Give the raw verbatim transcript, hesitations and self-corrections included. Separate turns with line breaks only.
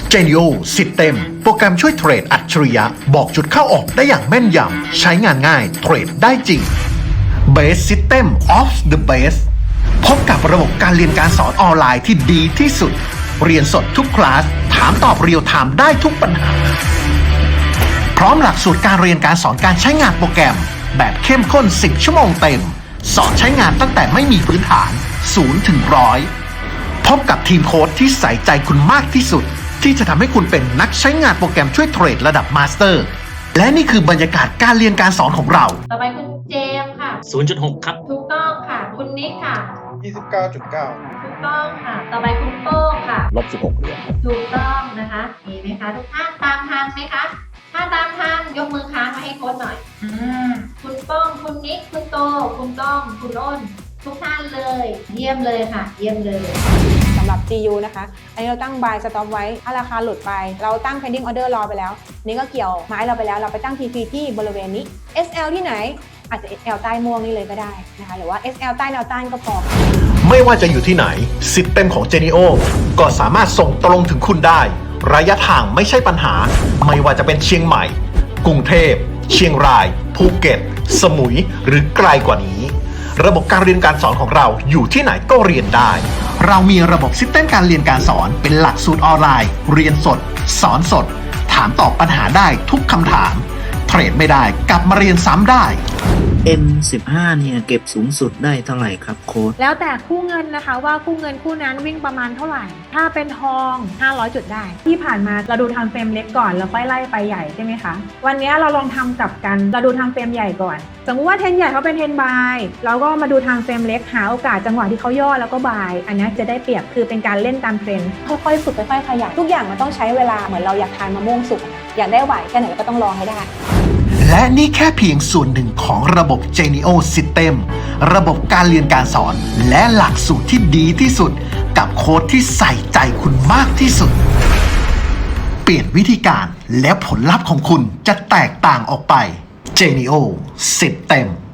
Genio สิทธิ์เต็มโปรแกรมช่วยเทรดอัจฉริยะบอกจุดเข้าออกได้อย่างแม่นยำใช้งานง่ายเทรดได้จริง Base System of the Base พบกับระบบการเรียนการสอนออนไลน์ที่ดีที่สุดเรียนสดทุกคลาสถามตอบเรียลไทม์ได้ทุกปัญหาพร้อมหลักสูตรการเรียนการสอนการใช้งานโปรแกรมแบบเข้มข้นสิบชั่วโมงเต็มสอนใช้งานตั้งแต่ไม่มีพื้นฐานศูนย์ถึงร้อยพบกับทีมโค้ชที่ใส่ใจคุณมากที่สุดที่จะทำให้คุณเป็นนักใช้งานโปรแกรมช่วยเทรดระดับมาสเตอร์และนี่คือบรรยากาศการเรียนการสอนของเรา
ต่อไปคุณเจมส์ค่ะ
ศูนย์จุดหก ครับ
ถูกต้องค่ะคุณนิกค่ะ
ยี่สิบเก้าจุดเก้า
ถูกต้องค่ะต่อไปคุณโป้งค่ะ
ลบสิบหกเหรียญ
ถูกต้องนะคะมีไหมคะทุกท่านตามทันไหมคะถ้าตามทันยกมือค้างมาให้โค้ชหน่อยอ่าคุณโป้งคุณนิกคุณโตคุณก้องคุณอ้นทุกท่านเลยเยี่ยมเลยค่ะเยี่ยมเลย
สำหรับ จี ยู นะคะอันนี้เราตั้ง buy stop ไว้ถ้าราคาหลุดไปเราตั้ง pending order รอไปแล้วนี่ก็เกี่ยวไม้เราไปแล้วเราไปตั้ง ที พี ที่บริเวณนี้ เอส แอล ที่ไหนอาจจะ เอส แอล ใต้ม่วงนี่เลยก็ได้นะคะหรือว่า เอส แอล ใต้แนวต้านก็พอ
ไม่ว่าจะอยู่ที่ไหนสิทธิ์เต็มของ Genio ก็สามารถส่งตรงถึงคุณได้ระยะทางไม่ใช่ปัญหาไม่ว่าจะเป็นเชียงใหม่กรุงเทพเชียงรายภูเก็ตสมุยหรือไกลกว่านี้ระบบการเรียนการสอนของเราอยู่ที่ไหนก็เรียนได้เรามีระบบซิสเต็มการเรียนการสอนเป็นหลักสูตรออนไลน์เรียนสดสอนสดถามตอบปัญหาได้ทุกคำถามเทรดไม่ได้กลับมาเรียนซ้ำได้
เอ็ม สิบห้า เนี่ยเก็บสูงสุดได้เท่าไหร่ครับโค้ช
แล้วแต่คู่เงินนะคะว่าคู่เงินคู่นั้นวิ่งประมาณเท่าไหร่ถ้าเป็นทองห้าร้อยจุดได้ที่ผ่านมาเราดูทางเฟรมเล็กก่อนแล้วค่อยไล่ไปใหญ่ใช่ไหมคะวันนี้เราลองทำกลับกันเราดูทางเฟรมใหญ่ก่อนสมมุติว่าเทรนใหญ่เขาเป็นเทรนบายเราก็มาดูทางเฟรมเล็กหาโอกาสจังหวะที่เขาย่อแล้วก็บายอันนี้จะได้เปรียบคือเป็นการเล่นตามเทรนค่อยๆฝึกค่อยๆขยันทุกอย่างมันต้องใช้เวลาเหมือนเราอยากทานมะม่วงสุกอยากได้ไหวแค่ไหนก็ต้องลองให้ได้
และนี่แค่เพียงส่วนหนึ่งของระบบ Genio System ระบบการเรียนการสอนและหลักสูตรที่ดีที่สุดกับโค้ชที่ใส่ใจคุณมากที่สุดเปลี่ยนวิธีการและผลลัพธ์ของคุณจะแตกต่างออกไป Genio System